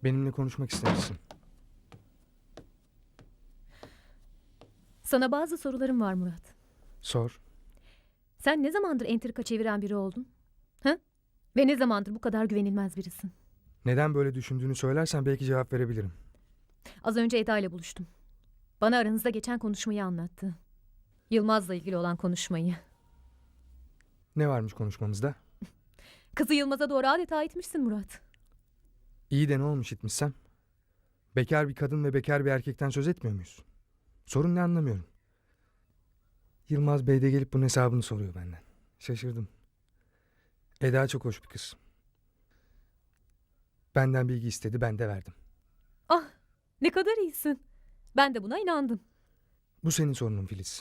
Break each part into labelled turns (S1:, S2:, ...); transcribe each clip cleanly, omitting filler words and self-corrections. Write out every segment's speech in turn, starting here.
S1: Benimle konuşmak istemişsin.
S2: Sana bazı sorularım var Murat.
S1: Sor.
S2: Sen ne zamandır entrika çeviren biri oldun? Ha? Ve ne zamandır bu kadar güvenilmez birisin?
S1: Neden böyle düşündüğünü söylersen belki cevap verebilirim.
S2: Az önce Eda ile buluştum. Bana aranızda geçen konuşmayı anlattı. Yılmaz'la ilgili olan konuşmayı.
S1: Ne varmış konuşmamızda?
S2: Kızı Yılmaz'a doğru adeta itmişsin Murat.
S1: İyi de ne olmuş itmişsem? Bekar bir kadın ve bekar bir erkekten söz etmiyor muyuz? Sorun ne anlamıyorum. Yılmaz Bey de gelip bunun hesabını soruyor benden. Şaşırdım. Eda çok hoş bir kız. Benden bilgi istedi, ben de verdim.
S2: Ah, ne kadar iyisin. Ben de buna inandım.
S1: Bu senin sorunun Filiz.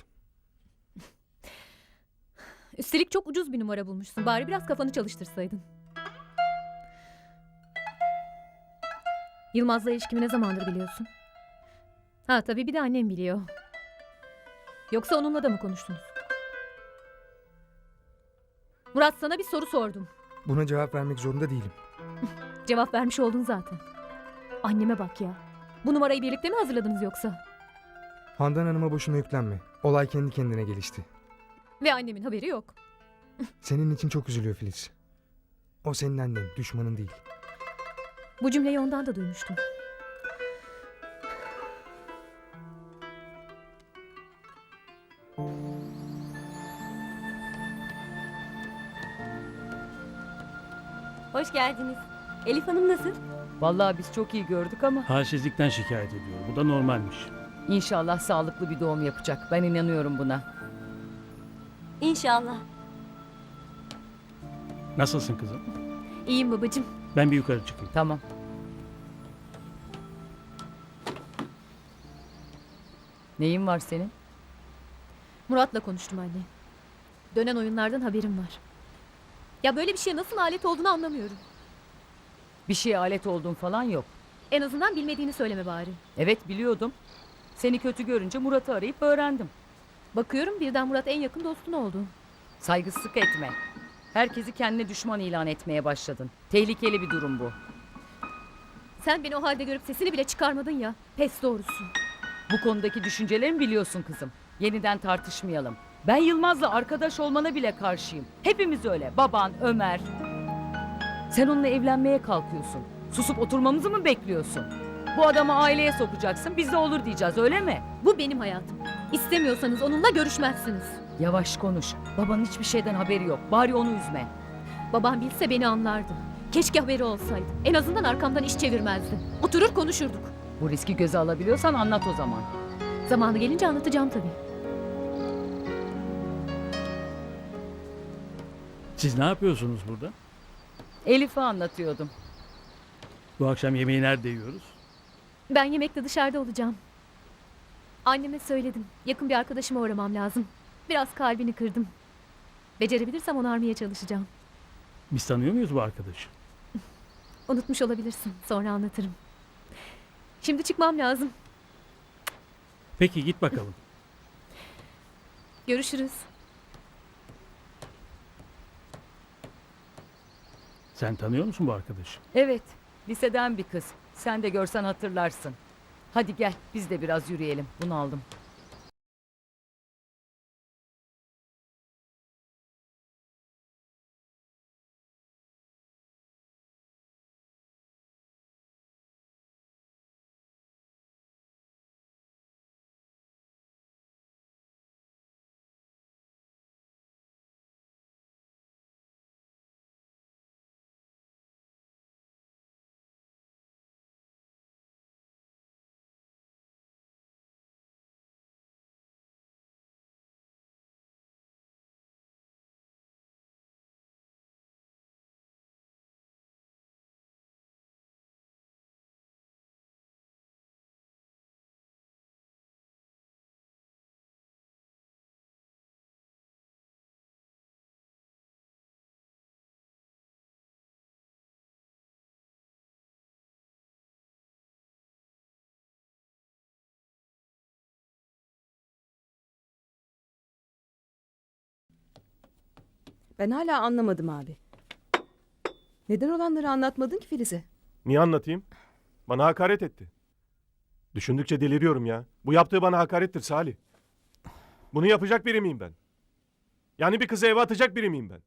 S2: Üstelik çok ucuz bir numara bulmuşsun. Bari biraz kafanı çalıştırsaydın. Yılmaz'la ilişkimi ne zamandır biliyorsun? Ha tabii bir de annem biliyor. Yoksa onunla da mı konuştunuz? Murat, sana bir soru sordum.
S1: Buna cevap vermek zorunda değilim.
S2: Cevap vermiş oldun zaten. Anneme bak ya. Bu numarayı birlikte mi hazırladınız yoksa?
S1: Handan Hanım'a boşuna yüklenme. Olay kendi kendine gelişti.
S2: Ve annemin haberi yok.
S1: Senin için çok üzülüyor Filiz. O senin annen, düşmanın değil.
S2: Bu cümleyi ondan da duymuştum.
S3: Hoş geldiniz. Elif Hanım nasıl?
S4: Vallahi biz çok iyi gördük ama
S5: Halsizlikten şikayet ediyor. Bu da normalmiş.
S4: inşallah sağlıklı bir doğum yapacak. Ben inanıyorum buna.
S3: İnşallah.
S5: Nasılsın kızım?
S2: İyiyim babacığım.
S5: Ben bir yukarı çıkayım.
S4: Tamam. Neyin var senin?
S2: Murat'la konuştum anne. Dönen oyunlardan haberim var. Ya böyle bir şeye nasıl alet olduğunu anlamıyorum.
S4: Bir şeye alet olduğun falan yok.
S2: En azından bilmediğini söyleme bari.
S4: Evet biliyordum. Seni kötü görünce Murat'ı arayıp öğrendim.
S2: Bakıyorum birden Murat en yakın dostun oldu.
S4: Saygısızlık etme. Herkesi kendine düşman ilan etmeye başladın. Tehlikeli bir durum bu.
S2: Sen beni o halde görüp sesini bile çıkarmadın ya. Pes doğrusu.
S4: Bu konudaki düşüncelerimi biliyorsun kızım. Yeniden tartışmayalım. Ben Yılmaz'la arkadaş olmana bile karşıyım. Hepimiz öyle. Baban, Ömer. Sen onunla evlenmeye kalkıyorsun. Susup oturmamızı mı bekliyorsun? Bu adamı aileye sokacaksın, biz de olur diyeceğiz, öyle mi?
S2: Bu benim hayatım. İstemiyorsanız onunla görüşmezsiniz.
S4: Yavaş konuş. Babanın hiçbir şeyden haberi yok. Bari onu üzme.
S2: Babam bilse beni anlardı. Keşke haberi olsaydı. En azından arkamdan iş çevirmezdi. Oturur konuşurduk.
S4: Bu riski göze alabiliyorsan anlat o zaman.
S2: Zamanı gelince anlatacağım tabii.
S5: Siz ne yapıyorsunuz burada?
S4: Elif'e anlatıyordum.
S5: Bu akşam yemeği nerede yiyoruz?
S2: Ben yemekte dışarıda olacağım. Anneme söyledim. Yakın bir arkadaşıma uğramam lazım. Biraz kalbini kırdım. Becerebilirsem onarmaya çalışacağım.
S5: Biz tanıyor muyuz bu arkadaşı?
S2: Unutmuş olabilirsin. Sonra anlatırım. Şimdi çıkmam lazım.
S5: Peki git bakalım.
S2: Görüşürüz.
S5: Sen tanıyor musun bu arkadaşı?
S4: Evet, liseden bir kız. Sen de görsen hatırlarsın. Hadi gel, biz de biraz yürüyelim. Bunu aldım.
S6: Ben hala anlamadım abi. Neden olanları anlatmadın ki Filiz'e?
S7: Niye anlatayım? Bana hakaret etti. Düşündükçe deliriyorum ya. Bu yaptığı bana hakarettir Salih. Bunu yapacak biri miyim ben? Yani bir kızı eve atacak biri miyim ben?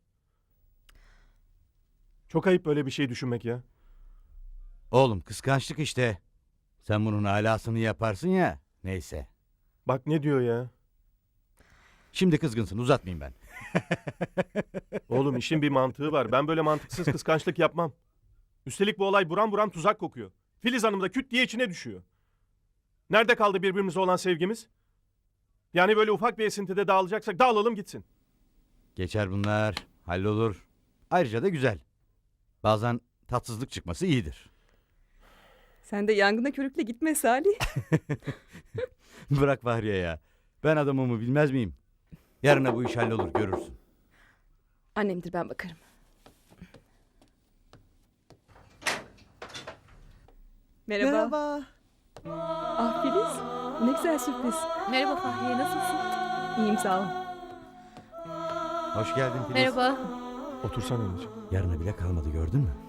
S7: Çok ayıp böyle bir şey düşünmek ya.
S8: Oğlum kıskançlık işte. Sen bunun alasını yaparsın ya. Neyse.
S7: Bak ne diyor ya.
S8: Şimdi kızgınsın, uzatmayayım ben.
S7: Oğlum işin bir mantığı var. Ben böyle mantıksız kıskançlık yapmam. Üstelik bu olay buram buram tuzak kokuyor. Filiz Hanım da küt diye içine düşüyor. Nerede kaldı birbirimize olan sevgimiz? Yani böyle ufak bir esintide dağılacaksak dağılalım gitsin.
S8: Geçer bunlar, hallolur. Ayrıca da güzel. Bazen tatsızlık çıkması iyidir.
S6: Sen de yangına körükle gitme Salih.
S8: Bırak Fahriye ya. Ben adamımı bilmez miyim? Yarına bu iş hallolur, görürsün.
S6: Annemdir, ben bakarım. Merhaba. Ah Filiz. Ne güzel sürpriz.
S2: Merhaba Fahriye, nasılsın?
S6: İyiyim sağ ol.
S8: Hoş geldin Filiz.
S2: Merhaba.
S7: Otursana anneciğim.
S8: Yarına bile kalmadı, gördün mü?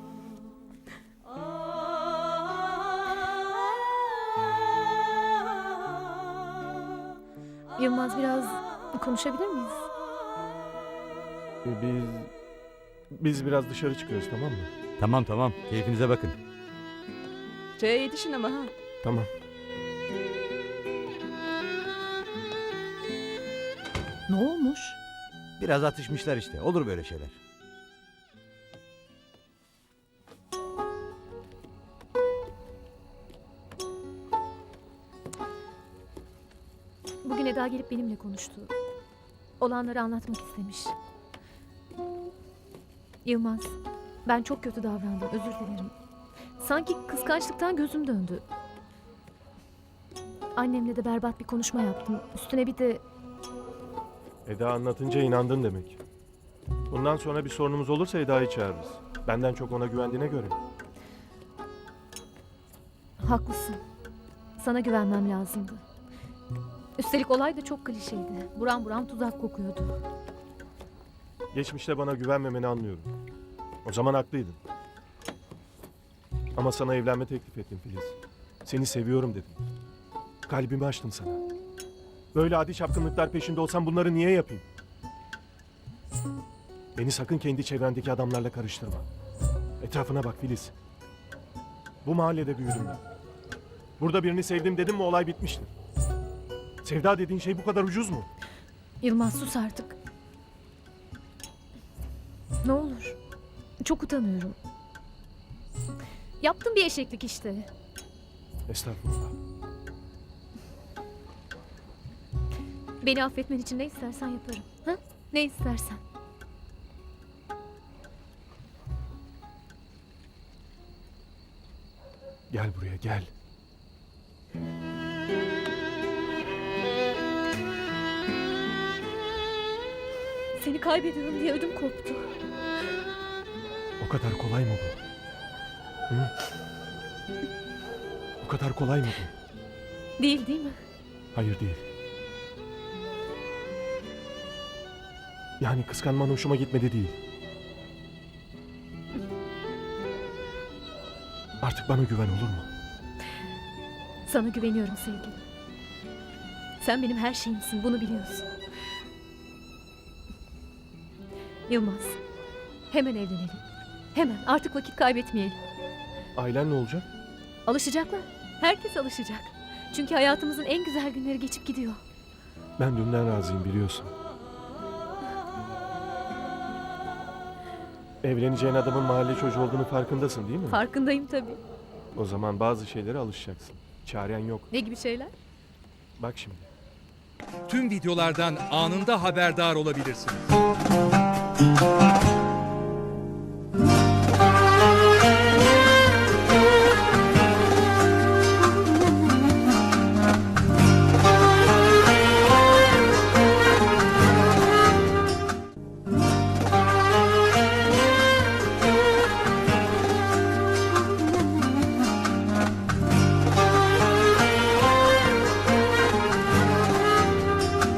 S2: Yılmaz, biraz konuşabilir miyiz?
S7: Biz biraz dışarı çıkıyoruz, tamam mı?
S8: Tamam tamam, keyfinize bakın.
S6: Çaya yetişin ama ha.
S7: Tamam.
S6: Ne olmuş?
S8: Biraz atışmışlar işte, olur böyle şeyler.
S2: Bugün Eda gelip benimle konuştu. Olanları anlatmak istemiş. Yılmaz, ben çok kötü davrandım, özür dilerim. Sanki kıskançlıktan gözüm döndü. Annemle de berbat bir konuşma yaptım. Üstüne bir de
S7: Eda anlatınca inandın demek. Bundan sonra bir sorunumuz olursa Eda'yı çağırırız. Benden çok ona güvendiğine göre.
S2: haklısın. Sana güvenmem lazımdı. Üstelik olay da çok klişeydi. Buram buram tuzak kokuyordu.
S7: Geçmişte bana güvenmemeni anlıyorum. O zaman haklıydın. Ama sana evlenme teklif ettim Filiz. Seni seviyorum dedim. Kalbimi açtım sana. Böyle adi çapkınlıklar peşinde olsam bunları niye yapayım? Beni sakın kendi çevrendeki adamlarla karıştırma. Etrafına bak Filiz. Bu mahallede büyüdüm ben. Burada birini sevdim dedim mi olay bitmiştir. Sevda dediğin şey bu kadar ucuz mu?
S2: Yılmaz, sus artık. Ne olur. Çok utanıyorum. Yaptım bir eşeklik işte.
S7: Estağfurullah.
S2: Beni affetmen için ne istersen yaparım. Ha? Ne istersen.
S7: Gel buraya gel.
S2: Seni kaybediyorum diye ödüm koptu.
S7: O kadar kolay mı bu? Hı? O kadar kolay mı bu?
S2: Değil mi?
S7: Hayır değil. Yani kıskanman hoşuma gitmedi değil. Artık bana güven olur mu?
S2: Sana güveniyorum sevgilim. Sen benim her şeyimsin, bunu biliyorsun. Yılmaz, hemen evlenelim. Hemen, artık vakit kaybetmeyelim.
S7: Ailen ne olacak?
S2: Alışacaklar. Herkes alışacak. Çünkü hayatımızın en güzel günleri geçip gidiyor.
S7: Ben dünden razıyım biliyorsun. Evleneceğin adamın mahalle çocuğu olduğunu farkındasın değil mi?
S2: Farkındayım tabii.
S7: O zaman bazı şeylere alışacaksın. Çaren yok.
S2: Ne gibi şeyler?
S7: Bak şimdi.
S9: Tüm videolardan anında haberdar olabilirsiniz.